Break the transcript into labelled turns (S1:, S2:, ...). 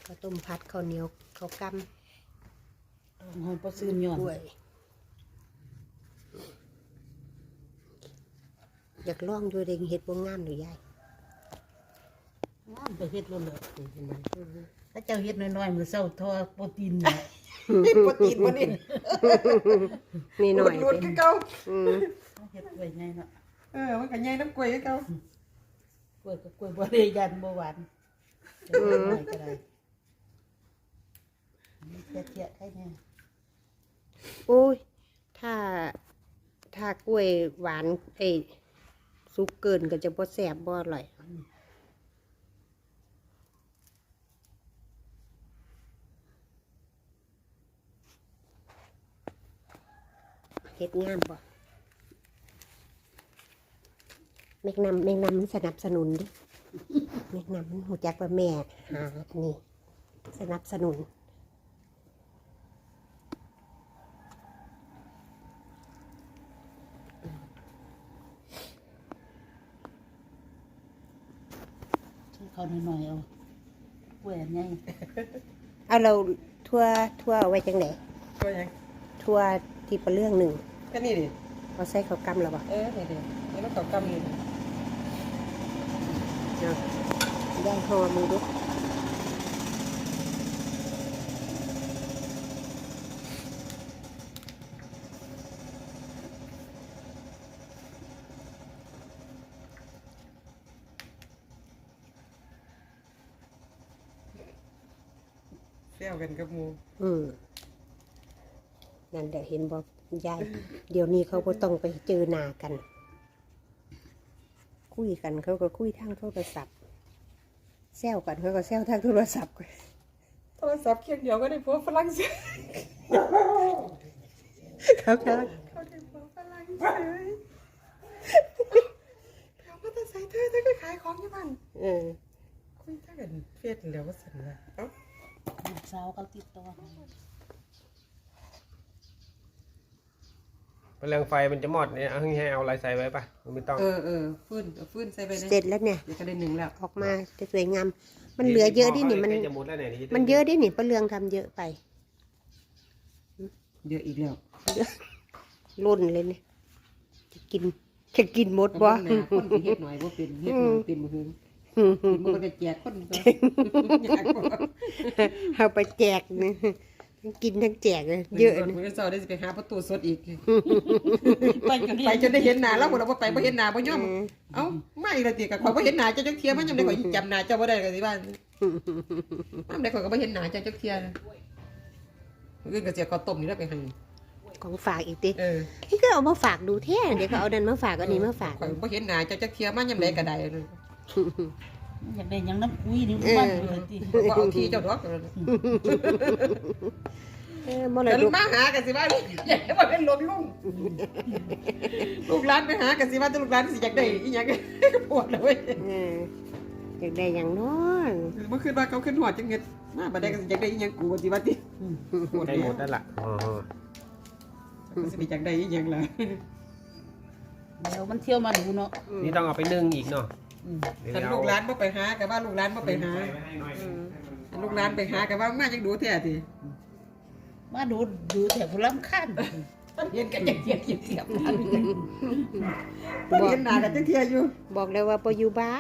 S1: ข้าวต้มผัดข้าวเหนียวข้าวกำ
S2: หอยปลาซื่นย้อน
S1: อยากลองดูเด็กเห็ดบ่งามหรือยาย
S2: งามไปเฮ็ดแล้วเหรอถ้าเจ้าเฮ็ดน้อยๆมื้อเช้าทอโปรตีนเนี่ย
S3: โปรตีนบ่นี่
S1: นี่หน่อย
S3: ลุ้นคือเก่า
S2: เฮ็ดไว้ไงเนาะ
S3: มันก็ใหญ่น้ำกล้วยคือเก่าก
S2: ล้วยกับกล้วยบ่ได้ยันบ่หวานจะเฮ็ดหน่อยก็ได้เทียๆให้แน่
S1: โอ้ยถ้ากล้วยหวานสุกเกินก็จะบ่แซ่บบ่อร่อยเฮ็ดงามบ่แมงนำมันสนับสนุนดิแมงนำมันหูจักว่าแม่หาอันนี้สนับสนุน
S2: เขาหน่อยๆเอากล้วยอันใหญ่
S1: เอาเราทั่วเอาไว้จังไหน
S3: ก็ยัง
S1: ทั่วที่ประเรื่องหนึ่ง
S3: ก็นี่ดิ
S1: เอาใส่ข้าวกำแล้วบ่
S3: นี่มันเก่ากำนี่
S1: เอาย่างห่อมือดู
S3: แซวกันกับหมู่
S1: นั่นเดี๋ยวเห็นบอกยาย เดี๋ยวนี้เขาก็ต้องไปเจอหน้ากัน คุยกันเขาก็คุยทางโทรศัพท์แซวกันเขาก็แซวทางโทรศัพท์
S3: โทรศัพท์เครื่องเดียวก็ได้ผัวฝรั่งเศส
S1: เขาก็
S3: เขาได้ผัวฝรั่งเศสเขาก็จะใส่เธอก็ขายของอยู่บ้านคุยถ้ากันเฟซแล้วก็สั่นละเอ้า
S2: ลูกสาวเขาติดต่อ
S4: แรงไฟมันจะหมดเนี่ยให้เอาอะไรใส่ไว้ปะมันไม่ต้อง
S3: ฟื้นใส่ไปเลย
S1: เสร็จแล้วเนี่ย
S3: เดี๋ยวก็ได้หนึ่งแล้ว
S1: ออกมาจะสวยงาม มันเหลือเยอะดินี่มัน
S4: จะหมดแล้วเนี่ย
S1: มันเยอะดินี่ประเรืองทำเยอะไป
S3: เยอะอีกแล้ว
S1: ล้นเลยเนี่ยจะกินหมดบ่
S3: คนที่เฮ็ดหน่อยบ่เป็นเฮ็ดหน่อยเป็นบ่ถึงมันก็จะแจกคนก็อยากบ่
S1: เอาไปแจกนี่กินทั้งแจกเลยเยอะ
S3: นะ
S1: นะ
S3: มื้อเช้าได้สิไปหาประตูสดอีก
S2: ไปจน
S3: ไปจนได้เห็นหน้าแล้วบ่ล่ะบ่ไปบ่เห็นหน้าบ่ยอมเอ้ามาอีกแล้วติก็ข่อยบ่เห็นหน้าเจ้าจักเที่ยมันยามใดข่อยจำหน้าเจ้าบ่ได้ก็สิว่ายามใดข่อยก็บ่เห็นหน้าเจ้าจักเที่ยมื้ออื่นก็สิเอาข้าวต้มนี่แล้วไปให้
S1: ของฝากอีกติ
S3: Ừ.
S1: ก็เอามาฝากดูแท้เดี๋ยวเขาเอาดันมาฝากอันนี้มาฝาก
S3: ข่อยบ่เห็นหน้าเจ้าจักเที่ยมันยามใดก็ได้
S2: อยากได้หยังน้ำคุยนี่มันเลยติ
S3: บ่เอาที่เจ้าดอก
S1: มร
S3: แต่
S1: ด
S3: ลู
S1: ก
S3: กมาหากันสิว่าอย่าให้ว่าเป็นหลวงลุงลูกหลานไปหากันสิว่าแต่ลูกหลานสิอยากได้อีหยังก็ปวดเลย
S1: อยากได้อย่างน้อย
S3: เมื่อคืนว่าเขาขึ้นหอดจังเงิดมาบัดใดก็สิอยากได้อีหยังกูสิว่าติปวด
S4: ได้หมดแล้วล่ะอ๋อ
S3: ก็สิอยากได้อีหยังล่ะ
S2: เดี๋ยวมันเที่ยวมาดูเนาะ
S4: นี่ต้องเอาไปนึ่งอีกเนาะ
S3: คันลูกหลานบ่ไปหาก็ว่าลูกหลานบ่ไปหาคันลูกหลานไปหาก็ว่ามาจังดูแท้ติ
S2: มาดูแถวลำคัน
S3: เห็นกันจังเทียบกันบ่เห็นหน้ากันจังเทียอยู่
S1: บอกเลยว่าปอยู่บ้าน